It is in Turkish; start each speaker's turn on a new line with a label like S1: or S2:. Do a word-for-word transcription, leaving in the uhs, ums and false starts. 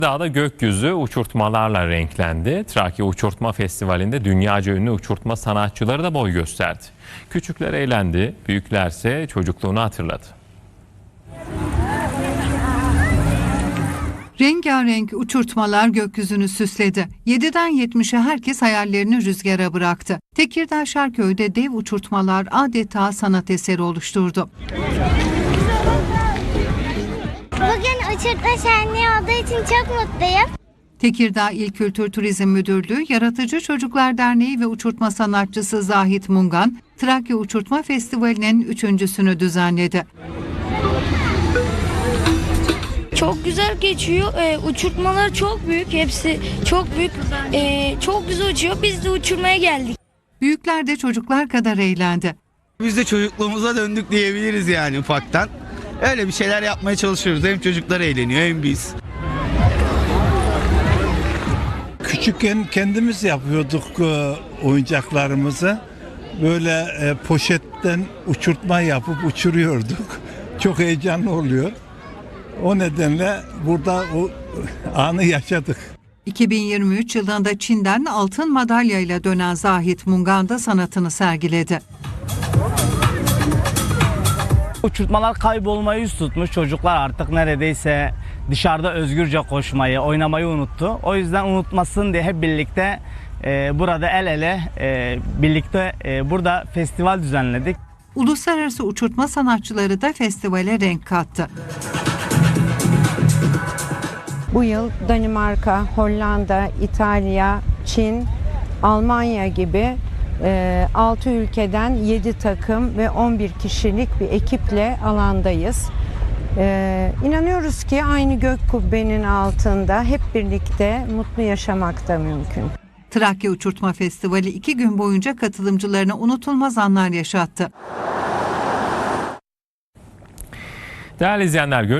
S1: Dağda gökyüzü uçurtmalarla renklendi. Trakya Uçurtma Festivali'nde dünyaca ünlü uçurtma sanatçıları da boy gösterdi. Küçükler eğlendi, büyüklerse çocukluğunu hatırladı.
S2: Rengarenk uçurtmalar gökyüzünü süsledi. yediden yetmişe herkes hayallerini rüzgara bıraktı. Tekirdağ Şarköy'de dev uçurtmalar adeta sanat eseri oluşturdu.
S3: Bugün uçurtma şenliği olduğu için çok mutluyum.
S2: Tekirdağ İl Kültür Turizm Müdürlüğü, Yaratıcı Çocuklar Derneği ve uçurtma sanatçısı Zahit Mungan, Trakya Uçurtma Festivali'nin üçüncüsünü düzenledi.
S4: Çok güzel geçiyor. Ee, uçurtmalar çok büyük. Hepsi çok büyük. Ee, çok güzel uçuyor. Biz de uçurmaya geldik.
S2: Büyükler de çocuklar kadar eğlendi.
S5: Biz de çocukluğumuza döndük diyebiliriz yani ufaktan. Öyle bir şeyler yapmaya çalışıyoruz. Hem çocuklar eğleniyor hem biz.
S6: Küçükken kendimiz yapıyorduk e, oyuncaklarımızı. Böyle e, poşetten uçurtma yapıp uçuruyorduk. Çok heyecanlı oluyor. O nedenle burada o anı yaşadık.
S2: iki bin yirmi üç yılında Çin'den altın madalyayla dönen Zahit Mungan da sanatını sergiledi.
S7: Uçurtmalar kaybolmayı yüz tutmuş. Çocuklar artık neredeyse dışarıda özgürce koşmayı, oynamayı unuttu. O yüzden unutmasın diye hep birlikte e, burada el ele e, birlikte e, burada festival düzenledik.
S2: Uluslararası uçurtma sanatçıları da festivale renk kattı.
S8: Bu yıl Danimarka, Hollanda, İtalya, Çin, Almanya gibi altı ülkeden yedi takım ve on bir kişilik bir ekiple alandayız. Ee, inanıyoruz ki aynı gök kubbenin altında hep birlikte mutlu yaşamak da mümkün.
S2: Trakya Uçurtma Festivali iki gün boyunca katılımcılarına unutulmaz anlar yaşattı.
S1: Değerli izleyenler,